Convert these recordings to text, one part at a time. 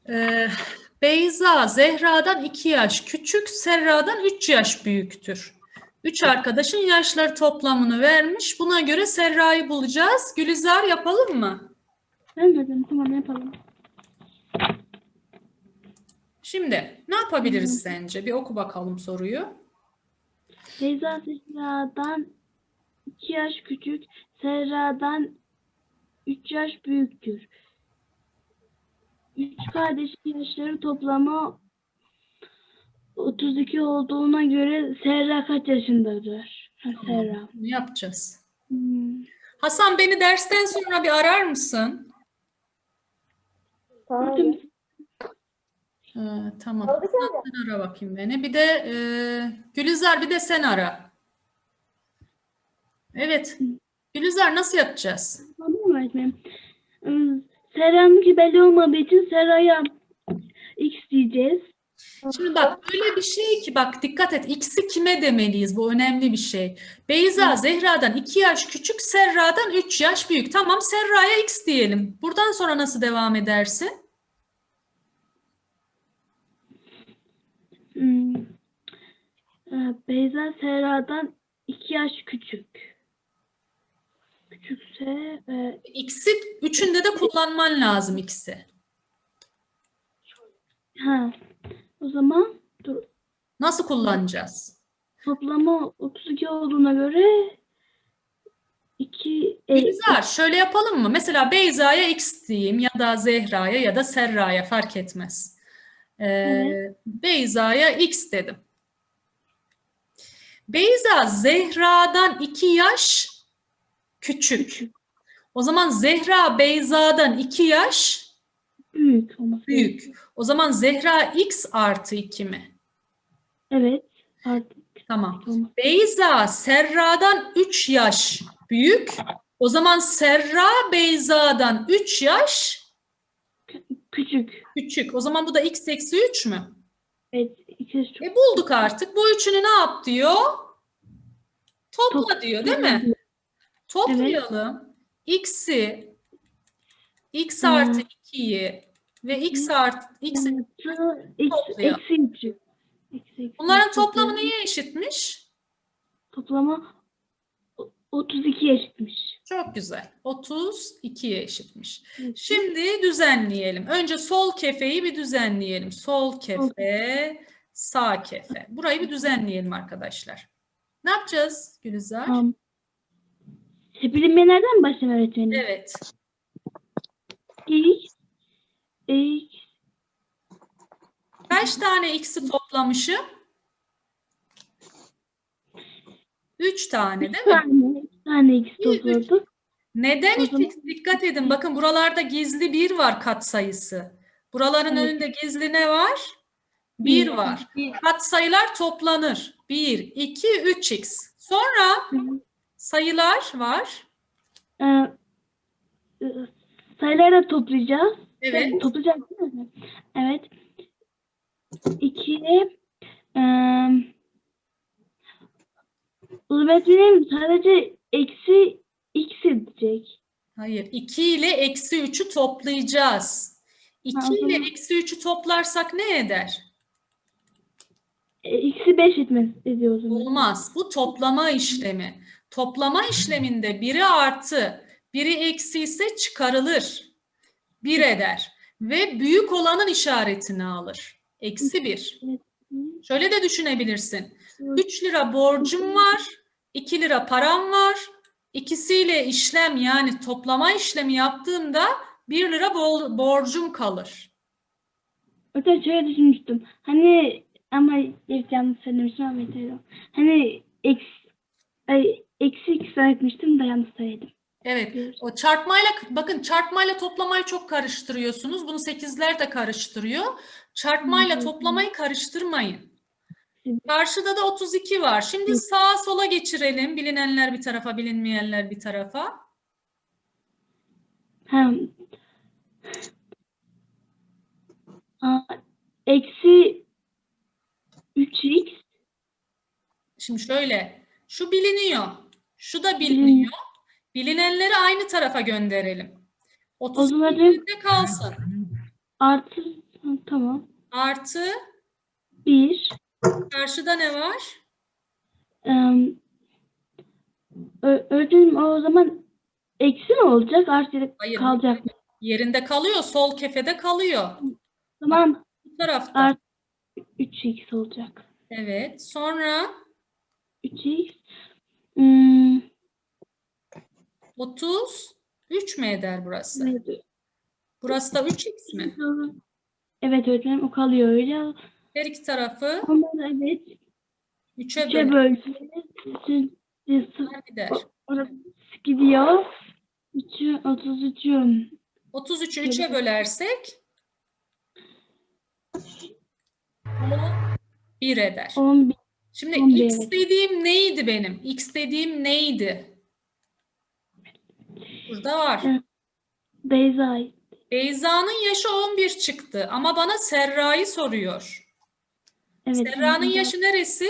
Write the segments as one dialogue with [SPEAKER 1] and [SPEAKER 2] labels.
[SPEAKER 1] Ee, Beyza Zehra'dan 2 yaş küçük, Serra'dan 3 yaş büyüktür. 3 arkadaşın yaşları toplamını vermiş. Buna göre Serra'yı bulacağız. Gülizar yapalım mı?
[SPEAKER 2] Evet, tamam yapalım.
[SPEAKER 1] Şimdi ne yapabiliriz sence? Bir oku bakalım soruyu.
[SPEAKER 2] Beyza Zehra'dan 2 yaş küçük, Serra'dan 3 yaş büyüktür. 3 kardeşin yaşları toplamı 32 olduğuna göre Serra kaç yaşındadır? Serra.
[SPEAKER 1] Ne yapacağız? Hasan, beni dersten sonra bir arar mısın?
[SPEAKER 2] Tamam.
[SPEAKER 1] Tamam. Hasan, sen ara bakayım beni. Bir de Gülizar, bir de sen ara. Evet. Gülizar, nasıl yapacağız?
[SPEAKER 2] Tamam öğretmenim. Serra'nınki belli olmadığı için Serra'ya X diyeceğiz.
[SPEAKER 1] Şimdi bak, öyle bir şey ki, bak dikkat et, X'i kime demeliyiz? Bu önemli bir şey. Beyza Zehra'dan 2 yaş küçük, Serra'dan 3 yaş büyük. Tamam, Serra'ya X diyelim. Buradan sonra nasıl devam edersin?
[SPEAKER 2] Beyza Serra'dan 2 yaş küçük. Küçükse
[SPEAKER 1] X'i üçünde de kullanman lazım, X'i.
[SPEAKER 2] o zaman dur,
[SPEAKER 1] Nasıl kullanacağız?
[SPEAKER 2] toplamı 32 olduğuna göre 2
[SPEAKER 1] Gülizar, şöyle yapalım mı? Mesela Beyza'ya X diyeyim, ya da Zehra'ya ya da Serra'ya, fark etmez.
[SPEAKER 2] evet.
[SPEAKER 1] Beyza'ya X dedim. Beyza Zehra'dan 2 yaş küçük. O zaman Zehra Beyza'dan 2 yaş
[SPEAKER 2] Büyük olması
[SPEAKER 1] büyük.
[SPEAKER 2] gerekiyor.
[SPEAKER 1] O zaman Zehra X artı 2 mi?
[SPEAKER 2] Evet. Artık
[SPEAKER 1] Tamam.
[SPEAKER 2] olması.
[SPEAKER 1] Beyza Serra'dan 3 yaş büyük. O zaman Serra Beyza'dan 3 yaş
[SPEAKER 2] Küçük.
[SPEAKER 1] küçük. O zaman bu da X eksi 3 mü?
[SPEAKER 2] Evet. İkisi çok.
[SPEAKER 1] Bulduk artık. Bu üçünü ne yap diyor? Topla diyor, değil mi? Toplayalım. X'i, X artı 2'yi ve X artı X'i toplayalım.
[SPEAKER 2] Eksi 3.
[SPEAKER 1] Bunların toplamı neye eşitmiş?
[SPEAKER 2] Toplama 32 eşitmiş.
[SPEAKER 1] Çok güzel. 32'ye eşitmiş. Şimdi düzenleyelim. Önce sol kefeyi bir düzenleyelim. Sol kefe, sağ kefe. Burayı bir düzenleyelim arkadaşlar. Ne yapacağız Gülizar?
[SPEAKER 2] Bilinmeyenlerden mi başlayalım öğretmenim?
[SPEAKER 1] Evet.
[SPEAKER 2] X.
[SPEAKER 1] Kaç tane x'i toplamışım? 3 tane, değil mi?
[SPEAKER 2] 3 tane X topladık.
[SPEAKER 1] Neden
[SPEAKER 2] O
[SPEAKER 1] 3x? Dikkat edin. Bakın, buralarda gizli 1 var katsayısı. Buraların önünde gizli ne var? 1 var. Katsayılar toplanır. 1, 2, 3x. Sonra sayılar var.
[SPEAKER 2] Sayıları da toplayacağız.
[SPEAKER 1] Evet.
[SPEAKER 2] Toplayacağız değil mi? Evet. 2 öğretmenim sadece eksi x edecek.
[SPEAKER 1] Hayır. 2 ile eksi 3'ü toplayacağız. 2 ile eksi 3'ü toplarsak ne eder?
[SPEAKER 2] Eksi 5 ediyor o zaman.
[SPEAKER 1] Olmaz. Bu toplama işlemi. Toplama işleminde biri artı, biri eksi ise çıkarılır. 1 eder. Ve büyük olanın işaretini alır. Eksi 1. Şöyle de düşünebilirsin. 3 lira borcum var. 2 lira param var. İkisiyle işlem, yani toplama işlemi yaptığımda 1 lira borcum kalır.
[SPEAKER 2] Öte şöyle düşünmüştüm. Hani ama yanlış söylemiştim ama yeterli. Hani eksi x öğretmiştim de yanlış söyledim.
[SPEAKER 1] Evet. O çarpmayla, bakın, çarpmayla toplamayı çok karıştırıyorsunuz. Bunu 8'ler de karıştırıyor. Çarpmayla toplamayı karıştırmayın. Karşıda da 32 var. Şimdi sağa sola geçirelim. Bilinenler bir tarafa, bilinmeyenler bir tarafa.
[SPEAKER 2] Eksi 3x.
[SPEAKER 1] Şimdi şöyle. Şu biliniyor. Şu da biliniyor. Bilinenleri aynı tarafa gönderelim. 32
[SPEAKER 2] zaman
[SPEAKER 1] yerinde kalsın.
[SPEAKER 2] Artı Tamam.
[SPEAKER 1] Artı
[SPEAKER 2] 1.
[SPEAKER 1] karşıda ne var?
[SPEAKER 2] Öğretmenim o zaman eksi mi olacak? Artı
[SPEAKER 1] Hayır,
[SPEAKER 2] kalacak mı?
[SPEAKER 1] yerinde kalıyor. Sol kefede kalıyor.
[SPEAKER 2] Tamam.
[SPEAKER 1] Bu tarafta.
[SPEAKER 2] Artı 3x olacak.
[SPEAKER 1] Evet. Sonra
[SPEAKER 2] 3x. Hmm,
[SPEAKER 1] 33 mü eder burası?
[SPEAKER 2] evet.
[SPEAKER 1] Burası da 3x mi?
[SPEAKER 2] Evet öğretmenim o kalıyor öyle.
[SPEAKER 1] Her iki tarafı
[SPEAKER 2] Ondan evet
[SPEAKER 1] 3'e
[SPEAKER 2] 3'e
[SPEAKER 1] böler gider.
[SPEAKER 2] orası gidiyor. 33'ü
[SPEAKER 1] 33'ü 3'e bölersek o 1 eder.
[SPEAKER 2] 11.
[SPEAKER 1] Şimdi
[SPEAKER 2] 11,
[SPEAKER 1] x
[SPEAKER 2] evet.
[SPEAKER 1] dediğim neydi benim? X dediğim neydi? Burada var.
[SPEAKER 2] Beyza.
[SPEAKER 1] Beyza'nın yaşı 11 çıktı ama bana Serra'yı soruyor.
[SPEAKER 2] Evet.
[SPEAKER 1] Serra'nın yaşı neresi?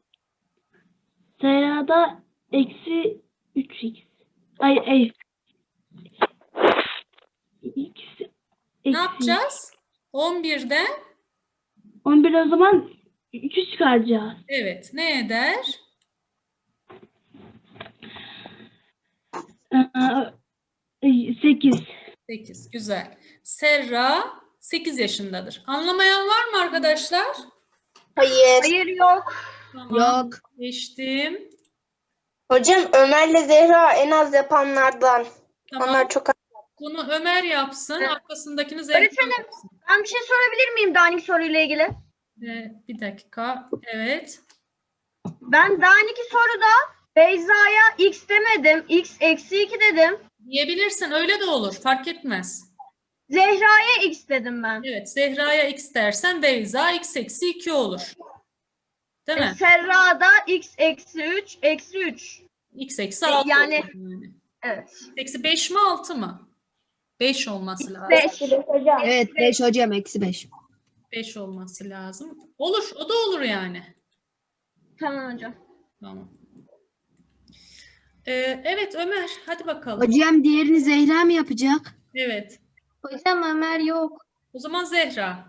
[SPEAKER 2] Serada eksi 3x. Ay. X
[SPEAKER 1] Ne
[SPEAKER 2] eksi.
[SPEAKER 1] yapacağız? 11'den
[SPEAKER 2] 11 o zaman 3'ü çıkaracağız.
[SPEAKER 1] evet ne eder?
[SPEAKER 2] 8.
[SPEAKER 1] 8. Güzel. Serra 8 yaşındadır. Anlamayan var mı arkadaşlar?
[SPEAKER 3] Hayır.
[SPEAKER 4] Hayır yok.
[SPEAKER 1] Tamam.
[SPEAKER 3] Yok.
[SPEAKER 1] Geçtim.
[SPEAKER 3] Hocam Ömer'le Zehra en az yapanlardan.
[SPEAKER 1] Tamam.
[SPEAKER 3] Onlar çok az.
[SPEAKER 1] Bunu Ömer yapsın.
[SPEAKER 4] Evet.
[SPEAKER 1] Arkasındakini Zehra
[SPEAKER 4] Öğretmenim.
[SPEAKER 1] yapsın.
[SPEAKER 4] Ben bir şey sorabilir miyim Danik soruyla ilgili?
[SPEAKER 1] Bir dakika. Evet.
[SPEAKER 4] Ben Danik'i soruda Beyza'ya x demedim. X eksi 2 dedim.
[SPEAKER 1] Diyebilirsin. Öyle de olur. Fark etmez.
[SPEAKER 4] Zehra'ya x dedim ben.
[SPEAKER 1] Evet. Zehra'ya x dersen Beyza x eksi 2 olur. Değil mi?
[SPEAKER 4] Serra'da x eksi 3 eksi 3.
[SPEAKER 1] X eksi 6
[SPEAKER 4] yani-
[SPEAKER 1] olur yani.
[SPEAKER 4] Evet.
[SPEAKER 1] Eksi 5 mi 6 mı? 5 olması lazım.
[SPEAKER 4] 5.
[SPEAKER 5] Evet 5 hocam eksi 5.
[SPEAKER 1] 5 olması lazım. Olur. O da olur yani.
[SPEAKER 4] Tamam hocam.
[SPEAKER 1] Tamam. Evet Ömer. Hadi bakalım.
[SPEAKER 5] Hocam diğerini Zehra mı yapacak?
[SPEAKER 1] Evet.
[SPEAKER 6] Hocam Ömer yok.
[SPEAKER 1] O zaman Zehra.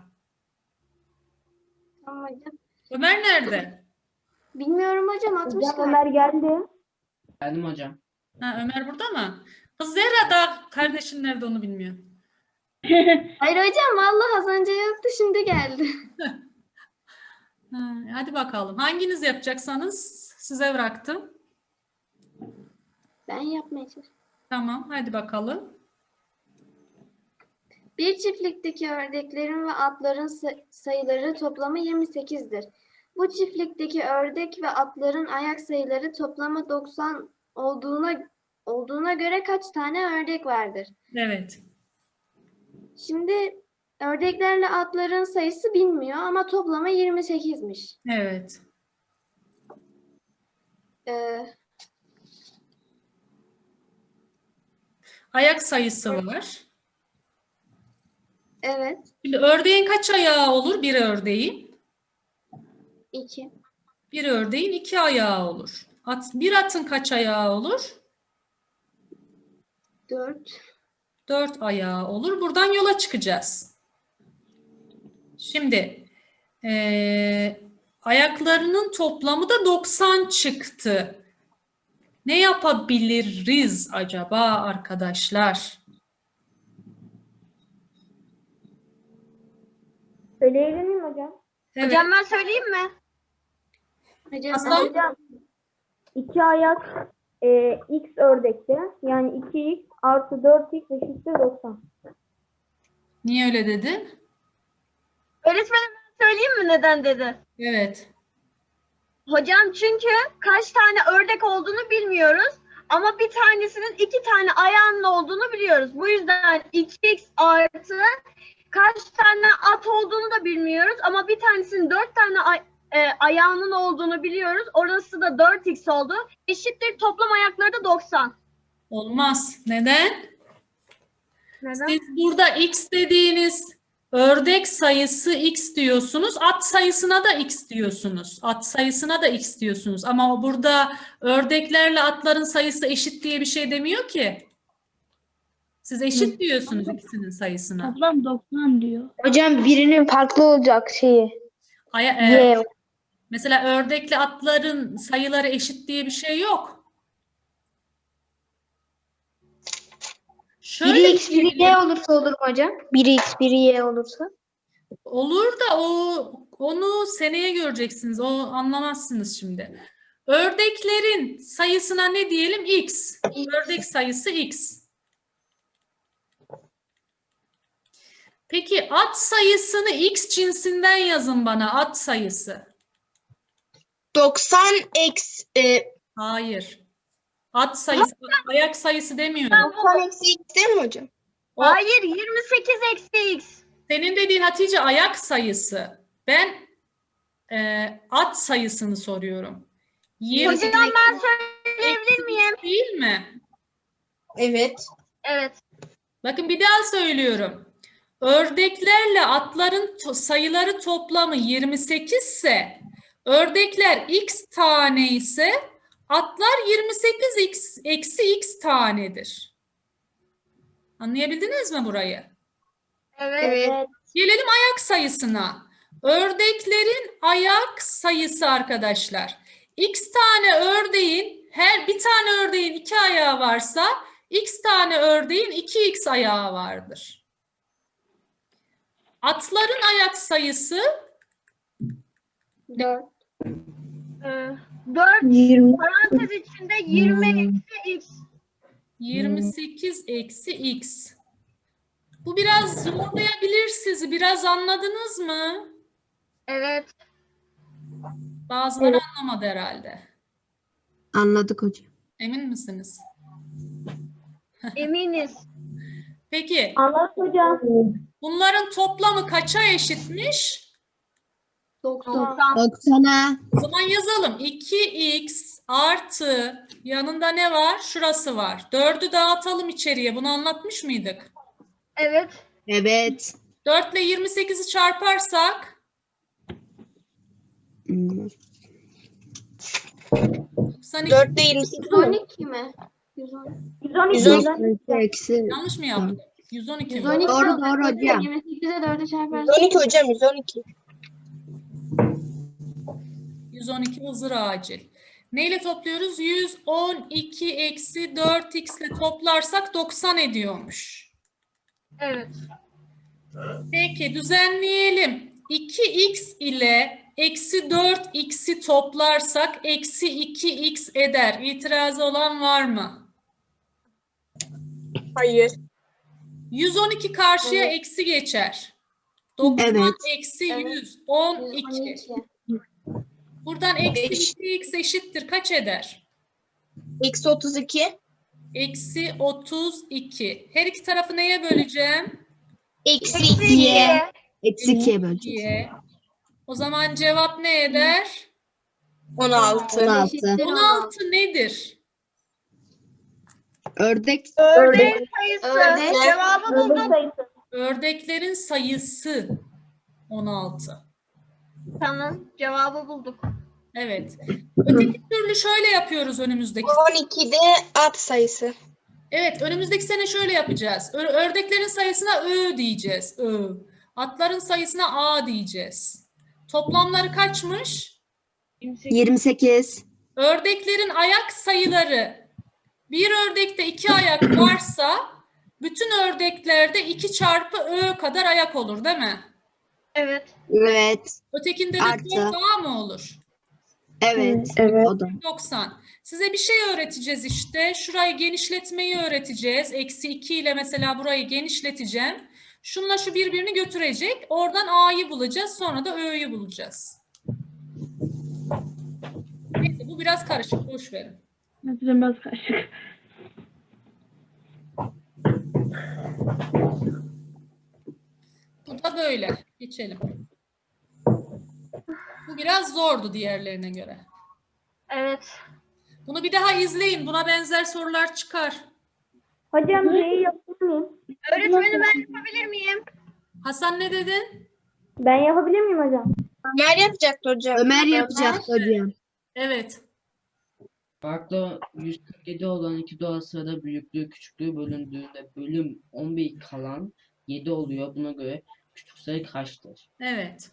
[SPEAKER 6] Tamam hocam.
[SPEAKER 1] Ömer nerede?
[SPEAKER 6] Bilmiyorum hocam atmışlar.
[SPEAKER 7] Geldim hocam.
[SPEAKER 1] Ha, Ömer burada mı? Kız Zehra da kardeşin nerede onu bilmiyor.
[SPEAKER 6] Hayır hocam vallahi az önce yoktu şimdi geldi.
[SPEAKER 1] Ha, hadi bakalım. Hanginiz yapacaksanız size bıraktım.
[SPEAKER 6] Ben yapmaya çalışıyorum.
[SPEAKER 1] Tamam. Hadi bakalım.
[SPEAKER 6] Bir çiftlikteki ördeklerin ve atların sayıları toplamı 28'dir. Bu çiftlikteki ördek ve atların ayak sayıları toplamı 90 olduğuna göre kaç tane ördek vardır?
[SPEAKER 1] Evet.
[SPEAKER 6] Şimdi ördeklerle atların sayısı bilmiyor ama toplamı 28'miş.
[SPEAKER 1] Evet. Ayak sayısı var.
[SPEAKER 6] Evet.
[SPEAKER 1] Şimdi ördeğin kaç ayağı olur? Bir ördeğin.
[SPEAKER 6] 2.
[SPEAKER 1] Bir ördeğin 2 ayağı olur. Bir atın kaç ayağı olur?
[SPEAKER 6] 4.
[SPEAKER 1] 4 ayağı olur. Buradan yola çıkacağız. Şimdi ayaklarının toplamı da 90 çıktı. Ne yapabiliriz acaba arkadaşlar?
[SPEAKER 8] Söyleyebilir miyim hocam?
[SPEAKER 1] Evet.
[SPEAKER 4] Hocam ben söyleyeyim mi?
[SPEAKER 6] Hocam
[SPEAKER 1] Aslan?
[SPEAKER 8] Hocam 2 ayak x ördekte yani 2x artı 4x eşittir 90.
[SPEAKER 1] Niye öyle dedin?
[SPEAKER 4] Öğretmenim ben söyleyeyim mi neden dedi?
[SPEAKER 1] Evet.
[SPEAKER 4] Hocam çünkü kaç tane ördek olduğunu bilmiyoruz. Ama bir tanesinin 2 tane ayağının olduğunu biliyoruz. Bu yüzden 2x artı kaç tane at olduğunu da bilmiyoruz. Ama bir tanesinin 4 tane ayağının olduğunu biliyoruz. Orası da 4x oldu. Eşittir toplam ayakları da 90.
[SPEAKER 1] Olmaz. Neden?
[SPEAKER 4] Neden?
[SPEAKER 1] Siz burada x dediğiniz ördek sayısı x diyorsunuz. At sayısına da x diyorsunuz. At sayısına da x diyorsunuz. Ama burada ördeklerle atların sayısı eşit diye bir şey demiyor ki. Siz eşit diyorsunuz ikisinin sayısına.
[SPEAKER 2] Toplam 90 diyor.
[SPEAKER 3] Hocam birinin farklı olacak şeyi. Y.
[SPEAKER 1] Mesela ördekli atların sayıları eşit diye bir şey yok. Şöyle
[SPEAKER 3] Biri X, biri Y olursa olur mu hocam? Biri X, biri Y olursa.
[SPEAKER 1] olur da onu seneye göreceksiniz. O anlamazsınız şimdi. Ördeklerin sayısına ne diyelim? X. Ördek sayısı X. Peki at sayısını X cinsinden yazın bana. At sayısı.
[SPEAKER 3] 90 eksi
[SPEAKER 1] Hayır. At sayısı, ayak sayısı demiyorum.
[SPEAKER 3] 90 eksi X değil mi hocam?
[SPEAKER 4] Hayır, 28 eksi X.
[SPEAKER 1] Senin dediğin Hatice ayak sayısı. Ben at sayısını soruyorum.
[SPEAKER 4] Hocam ben söyleyebilir miyim?
[SPEAKER 1] Değil mi?
[SPEAKER 3] Evet.
[SPEAKER 4] Evet.
[SPEAKER 1] Bakın bir daha söylüyorum. Ördeklerle atların sayıları toplamı 28 ise ördekler x tane ise atlar 28 eksi x tanedir. Anlayabildiniz mi burayı?
[SPEAKER 4] Evet.
[SPEAKER 1] Gelelim ayak sayısına. Ördeklerin ayak sayısı arkadaşlar. X tane ördeğin, her bir tane ördeğin 2 ayağı varsa X tane ördeğin 2x ayağı vardır. Atların ayak sayısı
[SPEAKER 6] 4.
[SPEAKER 4] 4
[SPEAKER 2] 20.
[SPEAKER 4] parantez içinde 20 eksi X.
[SPEAKER 1] 28 eksi x. Bu biraz zorlayabilir sizi. Biraz anladınız mı?
[SPEAKER 4] Evet.
[SPEAKER 1] Bazıları anlamadı herhalde.
[SPEAKER 5] Anladık hocam.
[SPEAKER 1] Emin misiniz?
[SPEAKER 4] Eminiz.
[SPEAKER 1] Peki
[SPEAKER 8] Anlat hocam.
[SPEAKER 1] bunların toplamı kaça eşitmiş?
[SPEAKER 6] 90.
[SPEAKER 5] 90'a
[SPEAKER 1] O zaman yazalım. 2x artı yanında ne var? Şurası var. 4'ü dağıtalım içeriye. Bunu anlatmış mıydık?
[SPEAKER 4] Evet.
[SPEAKER 5] evet.
[SPEAKER 1] 4 ile 28'i çarparsak
[SPEAKER 5] Hmm,
[SPEAKER 1] 92.
[SPEAKER 3] 4 ile 28 mi?
[SPEAKER 6] 112 mi? 112.
[SPEAKER 8] 112.
[SPEAKER 5] eksi.
[SPEAKER 1] Yanlış mı yaptım? 112 mi?
[SPEAKER 6] 112
[SPEAKER 5] Doğru,
[SPEAKER 6] olacak
[SPEAKER 5] doğru hocam.
[SPEAKER 6] 28'e 4'e çarparsak
[SPEAKER 3] 112 hocam 112.
[SPEAKER 1] 112 hızır acil. Neyle topluyoruz? 112 eksi 4x ile toplarsak 90 ediyormuş.
[SPEAKER 4] Evet.
[SPEAKER 1] Peki düzenleyelim. 2x ile eksi 4x'i toplarsak eksi 2x eder. İtirazı olan var mı?
[SPEAKER 3] Hayır.
[SPEAKER 1] 112 karşıya eksi geçer. 90
[SPEAKER 5] Evet.
[SPEAKER 1] eksi
[SPEAKER 4] Evet.
[SPEAKER 1] 100. 12.
[SPEAKER 6] 112.
[SPEAKER 1] Buradan eksi
[SPEAKER 3] Beş.
[SPEAKER 1] 2x eşittir. Kaç eder?
[SPEAKER 3] Eksi 32.
[SPEAKER 1] Eksi 32. Her iki tarafı neye böleceğim?
[SPEAKER 3] Eksi
[SPEAKER 4] Eksi
[SPEAKER 3] 2'ye.
[SPEAKER 5] Eksi 2'ye böleceğiz.
[SPEAKER 1] 2'ye. O zaman cevap ne eder?
[SPEAKER 3] 16.
[SPEAKER 5] 16.
[SPEAKER 6] Eşittir
[SPEAKER 1] 16 nedir?
[SPEAKER 5] Ördek
[SPEAKER 4] Ördeğin sayısı.
[SPEAKER 6] Ördek.
[SPEAKER 4] Cevabı
[SPEAKER 8] Ördek
[SPEAKER 4] buldum.
[SPEAKER 8] sayısı.
[SPEAKER 1] Ördeklerin sayısı 16.
[SPEAKER 4] Tamam. Cevabı bulduk.
[SPEAKER 1] Evet. Öteki türlü şöyle yapıyoruz önümüzdeki.
[SPEAKER 3] 12'de at sayısı.
[SPEAKER 1] Evet, önümüzdeki sene şöyle yapacağız. Ördeklerin sayısına Ö diyeceğiz. Ö. Atların sayısına A diyeceğiz. Toplamları kaçmış?
[SPEAKER 5] 28.
[SPEAKER 1] Ördeklerin ayak sayıları. Bir ördekte 2 ayak varsa bütün ördeklerde 2 çarpı Ö kadar ayak olur, değil mi?
[SPEAKER 4] Evet.
[SPEAKER 5] Evet.
[SPEAKER 1] Ötekinde de
[SPEAKER 5] Artı.
[SPEAKER 1] 4 A mı olur?
[SPEAKER 5] Evet.
[SPEAKER 8] Evet.
[SPEAKER 5] O da.
[SPEAKER 1] 90. Size bir şey öğreteceğiz işte. Şurayı genişletmeyi öğreteceğiz. Eksi 2 ile mesela burayı genişleteceğim. Şunla şu birbirini götürecek. Oradan A'yı bulacağız. Sonra da Ö'yü bulacağız. Neyse bu biraz karışık. Boş verin.
[SPEAKER 2] Biraz karışık.
[SPEAKER 1] Bu da böyle. Geçelim. Bu biraz zordu diğerlerine göre.
[SPEAKER 4] Evet.
[SPEAKER 1] Bunu bir daha izleyin. Buna benzer sorular çıkar.
[SPEAKER 8] Hocam şeyi yapabilir miyim?
[SPEAKER 4] Öğretmenim ben yapabilir miyim?
[SPEAKER 1] Hasan ne dedin?
[SPEAKER 8] Ben yapabilir miyim hocam?
[SPEAKER 3] Ömer yapacaktı hocam.
[SPEAKER 5] Ömer yapacaktı hocam.
[SPEAKER 1] Evet.
[SPEAKER 7] Farklı 147 olan iki doğal sayıda büyüklüğü küçüklüğü bölündüğünde bölüm 11 kalan 7 oluyor. Buna göre küçük sayı kaçtır?
[SPEAKER 1] Evet.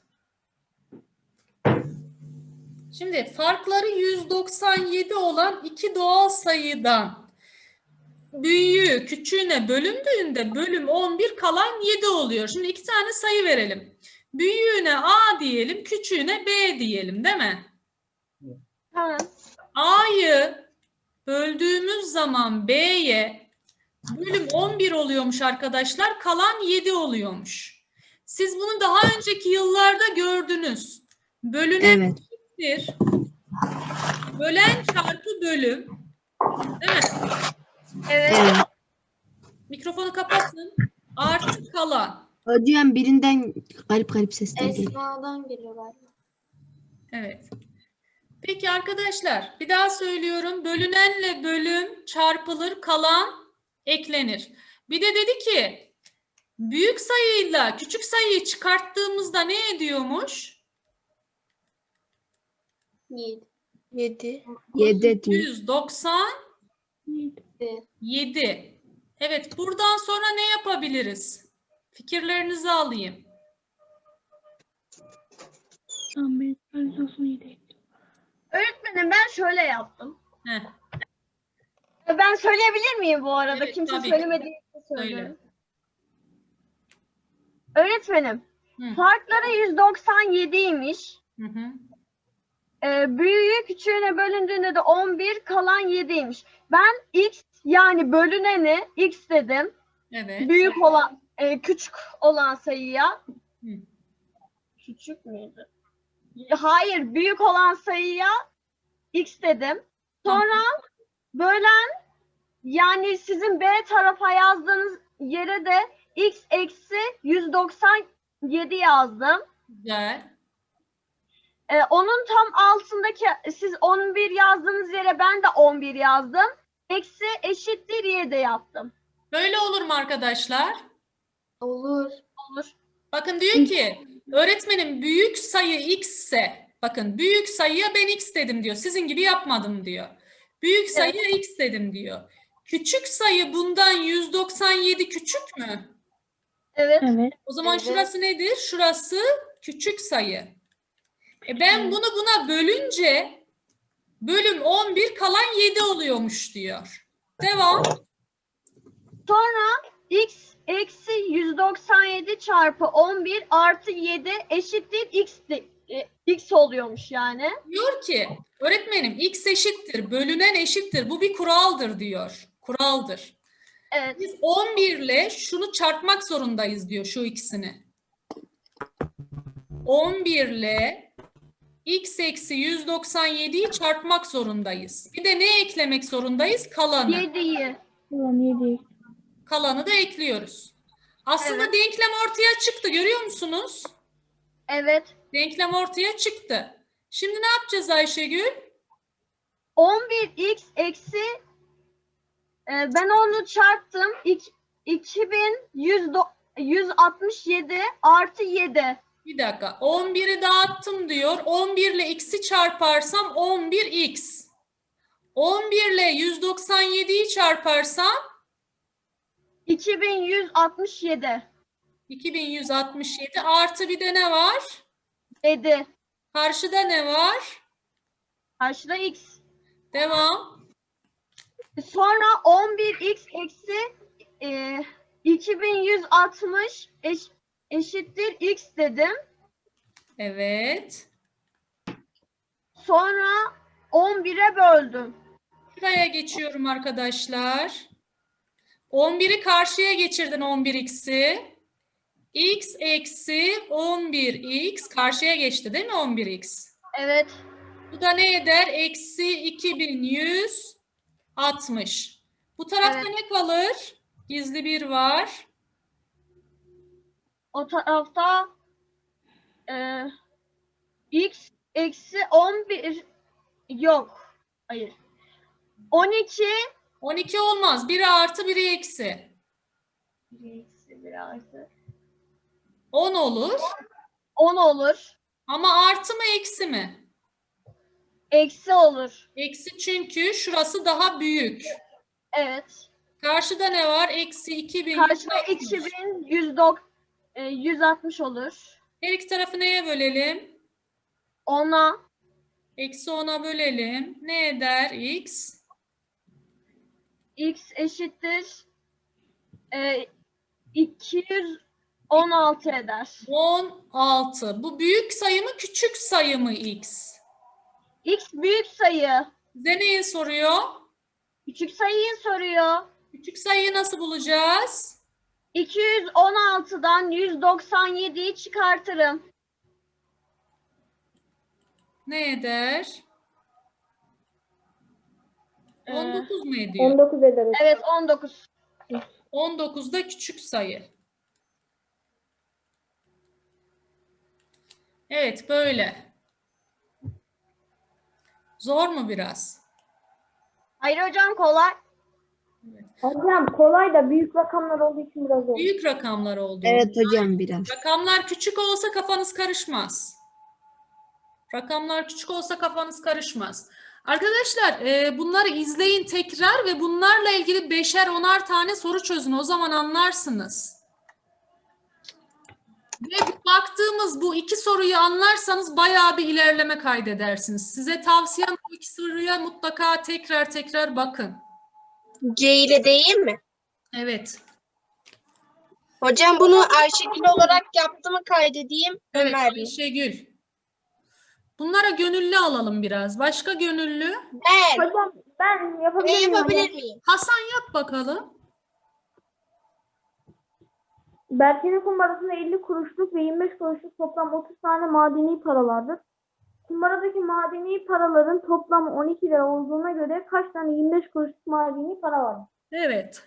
[SPEAKER 1] Şimdi farkları 197 olan iki doğal sayıdan büyüğü küçüğüne bölündüğünde bölüm 11 kalan 7 oluyor. Şimdi iki tane sayı verelim. Büyüğüne A diyelim, küçüğüne B diyelim, değil mi?
[SPEAKER 4] Tamam.
[SPEAKER 1] A'yı böldüğümüz zaman B'ye bölüm 11 oluyormuş arkadaşlar. Kalan 7 oluyormuş. Siz bunu daha önceki yıllarda gördünüz. Bölünen
[SPEAKER 5] Evet.
[SPEAKER 1] eşittir. Bölen çarpı bölüm. Değil mi?
[SPEAKER 4] Evet.
[SPEAKER 5] Evet.
[SPEAKER 1] Mikrofonu kapatın. Artı kalan.
[SPEAKER 5] Hocam birinden garip garip sesler geliyor.
[SPEAKER 6] Esma'dan geliyor galiba.
[SPEAKER 1] Evet. Peki arkadaşlar, bir daha söylüyorum. Bölünenle bölüm çarpılır, kalan eklenir. Bir de dedi ki büyük sayıyla küçük sayıyı çıkarttığımızda ne ediyormuş?
[SPEAKER 6] 7.
[SPEAKER 3] 7.
[SPEAKER 5] 7 diyor.
[SPEAKER 1] 197. Evet, buradan sonra ne yapabiliriz? Fikirlerinizi alayım.
[SPEAKER 2] Tamam, ben 197.
[SPEAKER 4] Öğretmenim ben şöyle yaptım.
[SPEAKER 1] Heh,
[SPEAKER 4] Ben söyleyebilir miyim bu arada?
[SPEAKER 1] Evet,
[SPEAKER 4] Kimse
[SPEAKER 1] tabii ki.
[SPEAKER 4] söylemediği için söylüyorum. Öğretmenim,
[SPEAKER 1] Hı.
[SPEAKER 4] farkları 197'ymiş.
[SPEAKER 1] Hı hı.
[SPEAKER 4] Büyüğü küçüğüne bölündüğünde de 11 kalan 7'ymiş. Ben x yani bölüneni x dedim.
[SPEAKER 1] Evet.
[SPEAKER 4] Büyük olan küçük olan sayıya
[SPEAKER 1] Hı.
[SPEAKER 4] küçük müydü? Hayır, büyük olan sayıya x dedim. Sonra bölen yani sizin B tarafa yazdığınız yere de x eksi 197 yazdım.
[SPEAKER 1] Güzel.
[SPEAKER 4] Onun tam altındaki siz 11 yazdığınız yere ben de 11 yazdım. Eksi eşittir 7 yaptım.
[SPEAKER 1] Böyle olur mu arkadaşlar?
[SPEAKER 6] Olur.
[SPEAKER 4] Olur.
[SPEAKER 1] Bakın diyor ki öğretmenim büyük sayı x ise bakın büyük sayıya ben x dedim diyor. Sizin gibi yapmadım diyor. Büyük sayıya x dedim diyor. Küçük sayı bundan 197 küçük mü?
[SPEAKER 4] Evet.
[SPEAKER 2] Evet.
[SPEAKER 1] O zaman
[SPEAKER 6] Evet.
[SPEAKER 1] şurası nedir? Şurası küçük sayı. Ben bunu buna bölünce bölüm 11 kalan 7 oluyormuş diyor. Devam.
[SPEAKER 4] Sonra x eksi 197 çarpı 11 artı 7 eşittir x oluyormuş yani.
[SPEAKER 1] Diyor ki öğretmenim x eşittir, bölünen eşittir. Bu bir kuraldır diyor. Kuraldır.
[SPEAKER 4] Evet.
[SPEAKER 1] Biz 11 ile şunu çarpmak zorundayız diyor şu ikisini. 11 ile x eksi 197'yi çarpmak zorundayız. Bir de ne eklemek zorundayız? Kalanı.
[SPEAKER 4] 7'yi.
[SPEAKER 2] Tamam, 7.
[SPEAKER 1] Kalanı da ekliyoruz. Aslında
[SPEAKER 4] Evet.
[SPEAKER 1] denklem ortaya çıktı. Görüyor musunuz?
[SPEAKER 4] Evet.
[SPEAKER 1] Denklem ortaya çıktı. Şimdi ne yapacağız Ayşegül?
[SPEAKER 4] 11x eksi ben onu çarptım. 2167 artı 7.
[SPEAKER 1] Bir dakika. 11'i dağıttım diyor. 11 ile x'i çarparsam 11x. 11 ile 197'yi çarparsam
[SPEAKER 4] 2167.
[SPEAKER 1] 2167 artı bir de ne var?
[SPEAKER 4] 7.
[SPEAKER 1] Karşıda ne var?
[SPEAKER 4] Karşıda x.
[SPEAKER 1] Devam.
[SPEAKER 4] Sonra 11x eksi 2160 eşittir x dedim.
[SPEAKER 1] Evet.
[SPEAKER 4] Sonra 11'e böldüm.
[SPEAKER 1] Şuraya geçiyorum arkadaşlar. 11'i karşıya geçirdin 11x'i. X eksi 11x karşıya geçti değil mi 11x?
[SPEAKER 4] Evet.
[SPEAKER 1] Bu da ne eder? Eksi 2160. Bu tarafta
[SPEAKER 4] Evet.
[SPEAKER 1] ne kalır? Gizli bir var.
[SPEAKER 4] O tarafta x eksi 11 yok. Hayır. 12
[SPEAKER 1] 12 olmaz. Biri artı biri eksi.
[SPEAKER 4] eksi 1 artı
[SPEAKER 1] 10 olur.
[SPEAKER 4] 10 olur.
[SPEAKER 1] Ama artı mı eksi mi?
[SPEAKER 4] Eksi olur.
[SPEAKER 1] Eksi çünkü şurası daha büyük.
[SPEAKER 4] Evet.
[SPEAKER 1] Karşıda ne var? Eksi 2000.
[SPEAKER 4] Karşıda 2160 olur.
[SPEAKER 1] Her iki tarafı neye bölelim?
[SPEAKER 4] 10'a
[SPEAKER 1] Eksi 10'a bölelim. Ne eder x?
[SPEAKER 4] x eşittir 216 eder.
[SPEAKER 1] 16. Bu büyük sayı mı küçük sayı mı x?
[SPEAKER 4] X büyük sayı.
[SPEAKER 1] Bize neyi soruyor?
[SPEAKER 4] Küçük sayıyı soruyor.
[SPEAKER 1] Küçük sayıyı nasıl bulacağız?
[SPEAKER 4] 216'dan 197'yi çıkartırım.
[SPEAKER 1] Ne eder?
[SPEAKER 4] Ee,
[SPEAKER 1] 19 mu ediyor?
[SPEAKER 8] 19 eder.
[SPEAKER 4] Evet 19.
[SPEAKER 1] 19 da küçük sayı. Evet, böyle. Zor mu biraz?
[SPEAKER 4] Hayır hocam kolay.
[SPEAKER 8] Hocam kolay da büyük rakamlar olduğu için biraz zor.
[SPEAKER 1] Büyük rakamlar oldu.
[SPEAKER 5] Evet hocam biraz.
[SPEAKER 1] Rakamlar küçük olsa kafanız karışmaz. Rakamlar küçük olsa kafanız karışmaz. Arkadaşlar bunları izleyin tekrar ve bunlarla ilgili 5'er 10'ar tane soru çözün. O zaman anlarsınız. Ve baktığımız bu iki soruyu anlarsanız bayağı bir ilerleme kaydedersiniz. Size tavsiyem bu iki soruya mutlaka tekrar bakın.
[SPEAKER 3] C ile değil mi?
[SPEAKER 1] Evet.
[SPEAKER 3] Hocam bunu Ayşegül olarak yaptığımı kaydedeyim.
[SPEAKER 1] Evet
[SPEAKER 3] Ömer Bey.
[SPEAKER 1] Ayşegül. Bunlara gönüllü alalım biraz. Başka gönüllü?
[SPEAKER 3] Ben
[SPEAKER 8] Hocam ben
[SPEAKER 3] ne
[SPEAKER 8] yapabilir miyim?
[SPEAKER 3] yapabilir miyim?
[SPEAKER 1] Hasan yap bakalım.
[SPEAKER 8] Berke'nin kumbarasında 50 kuruşluk ve 25 kuruşluk toplam 30 tane madeni paralardır. Kumbaradaki madeni paraların toplamı 12 lira olduğuna göre kaç tane 25 kuruşluk madeni para var?
[SPEAKER 1] Evet.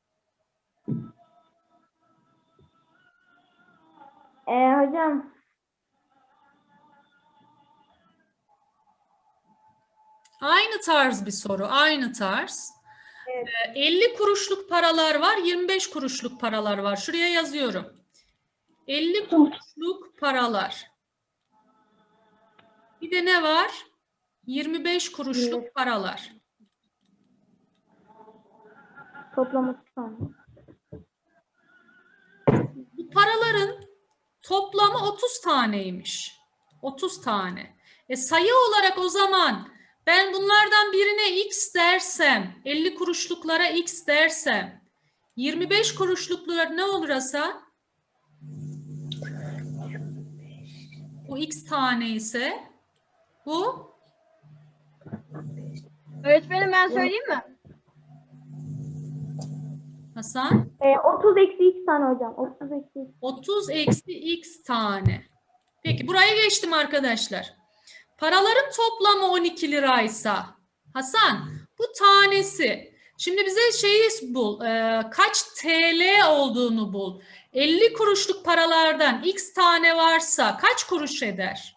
[SPEAKER 8] Hocam
[SPEAKER 1] Aynı tarz bir soru. Aynı tarz.
[SPEAKER 8] Evet.
[SPEAKER 1] 50 kuruşluk paralar var. 25 kuruşluk paralar var. Şuraya yazıyorum. 50 kuruşluk paralar. Bir de ne var? 25 kuruşluk paralar.
[SPEAKER 8] toplam 30 tane.
[SPEAKER 1] Bu paraların toplamı 30 taneymiş. 30 tane. Sayı olarak o zaman ben bunlardan birine x dersem, 50 kuruşluklara x dersem, 25 kuruşluklara ne olur Hasan? Bu x tane ise bu
[SPEAKER 4] Öğretmenim ben söyleyeyim mi?
[SPEAKER 1] Hasan
[SPEAKER 8] 30 eksi x tane hocam. 30 eksi x.
[SPEAKER 1] 30 eksi x tane. Peki buraya geçtim arkadaşlar. Paraların toplamı 12 liraysa Hasan bu tanesi. Şimdi bize şeyi bul. Kaç TL olduğunu bul. 50 kuruşluk paralardan x tane varsa kaç kuruş eder?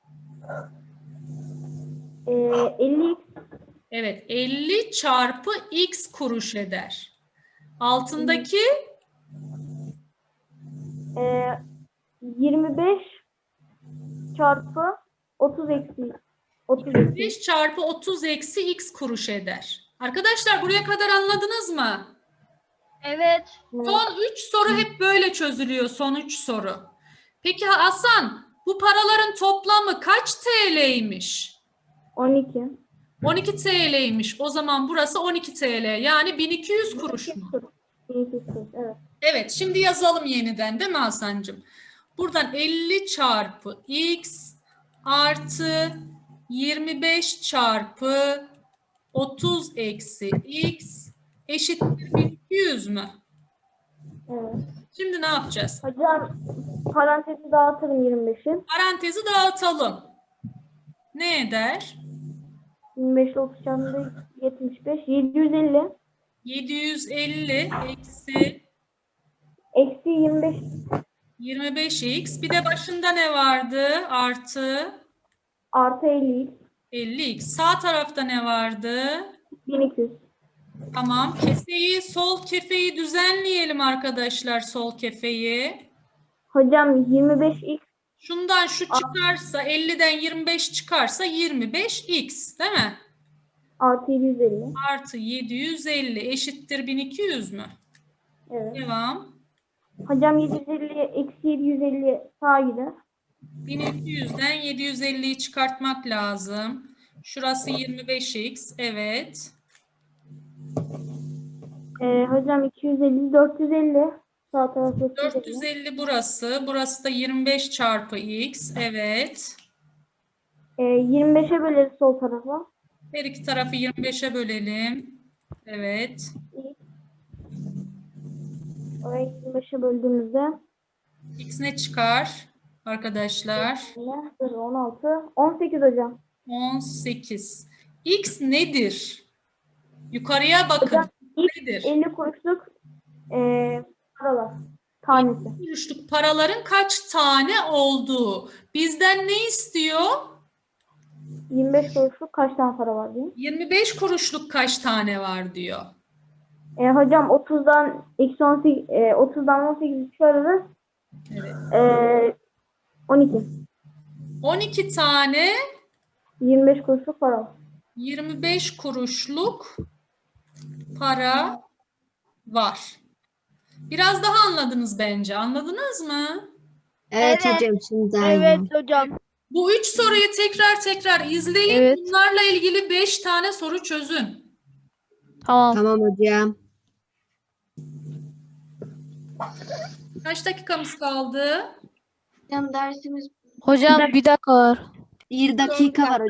[SPEAKER 8] 50 x.
[SPEAKER 1] Evet 50 çarpı x kuruş eder. Altındaki
[SPEAKER 8] 25 çarpı 30 eksi 30 eksi.
[SPEAKER 1] 5 çarpı 30 eksi x kuruş eder. Arkadaşlar buraya kadar anladınız mı?
[SPEAKER 4] Evet.
[SPEAKER 1] Son 3 soru hep böyle çözülüyor. Son 3 soru. Peki Hasan bu paraların toplamı kaç TL'ymiş?
[SPEAKER 8] 12.
[SPEAKER 1] 12 TL'ymiş. O zaman burası 12 TL. Yani 1200 kuruş mu?
[SPEAKER 8] 1200 kuruş, evet.
[SPEAKER 1] Evet şimdi yazalım yeniden değil mi Hasan'cığım? Buradan 50 çarpı x artı 25 çarpı 30 eksi x eşittir 1200 mü?
[SPEAKER 8] Evet.
[SPEAKER 1] Şimdi ne yapacağız?
[SPEAKER 8] Hocam parantezi dağıtırım 25'i.
[SPEAKER 1] Parantezi dağıtalım. Ne eder?
[SPEAKER 8] 25 ile 30 çarpı 75. 750
[SPEAKER 1] 750
[SPEAKER 8] eksi 25
[SPEAKER 1] 25x. Bir de başında ne vardı? Artı
[SPEAKER 8] artı 50 x.
[SPEAKER 1] 50x. Sağ tarafta ne vardı?
[SPEAKER 8] 1200.
[SPEAKER 1] Tamam. Kefeyi, sol kefeyi düzenleyelim arkadaşlar. Sol kefeyi.
[SPEAKER 8] Hocam 25 x
[SPEAKER 1] Şundan şu çıkarsa 50'den 25 çıkarsa 25x değil mi?
[SPEAKER 8] Artı 750.
[SPEAKER 1] Artı 750 eşittir 1200 mü?
[SPEAKER 8] Evet.
[SPEAKER 1] Devam.
[SPEAKER 8] Hocam 750 eksi 750 sağa gider.
[SPEAKER 1] 1200'den 750'yi çıkartmak lazım. Şurası 25x. Evet.
[SPEAKER 8] Hocam 250 450. Sağ tarafı 450.
[SPEAKER 1] 450 burası. Burası da 25 çarpı x. Evet.
[SPEAKER 8] 25'e böleriz sol tarafa.
[SPEAKER 1] Her iki tarafı 25'e bölelim. Evet.
[SPEAKER 8] Orayı 25'e böldüğümüzde
[SPEAKER 1] X ne çıkar arkadaşlar?
[SPEAKER 8] 16. 18 hocam.
[SPEAKER 1] 18. X nedir? Yukarıya bakın. Nedir?
[SPEAKER 8] 50 kuruşluk paralar. Tanesi.
[SPEAKER 1] Kuruşluk paraların kaç tane olduğu. Bizden ne istiyor?
[SPEAKER 8] 25 kuruşluk kaç tane para var diyeyim.
[SPEAKER 1] 25 kuruşluk kaç tane var diyor.
[SPEAKER 8] Hocam 30'dan eksi 18, 30'dan 18 çıkarırız.
[SPEAKER 1] Evet.
[SPEAKER 8] 12.
[SPEAKER 1] 12 tane
[SPEAKER 8] 25 kuruşluk para var.
[SPEAKER 1] 25 kuruşluk para var. Biraz daha anladınız bence. Anladınız mı?
[SPEAKER 5] Evet hocam şimdi daha iyi.
[SPEAKER 8] hocam.
[SPEAKER 1] Bu 3 soruyu tekrar izleyin.
[SPEAKER 8] Evet.
[SPEAKER 1] Bunlarla ilgili 5 tane soru çözün.
[SPEAKER 8] Tamam.
[SPEAKER 5] Tamam hocam.
[SPEAKER 1] Kaç dakikamız kaldı?
[SPEAKER 6] Hocam dersimiz
[SPEAKER 8] Hocam bir dakika var.
[SPEAKER 5] Bir dakika var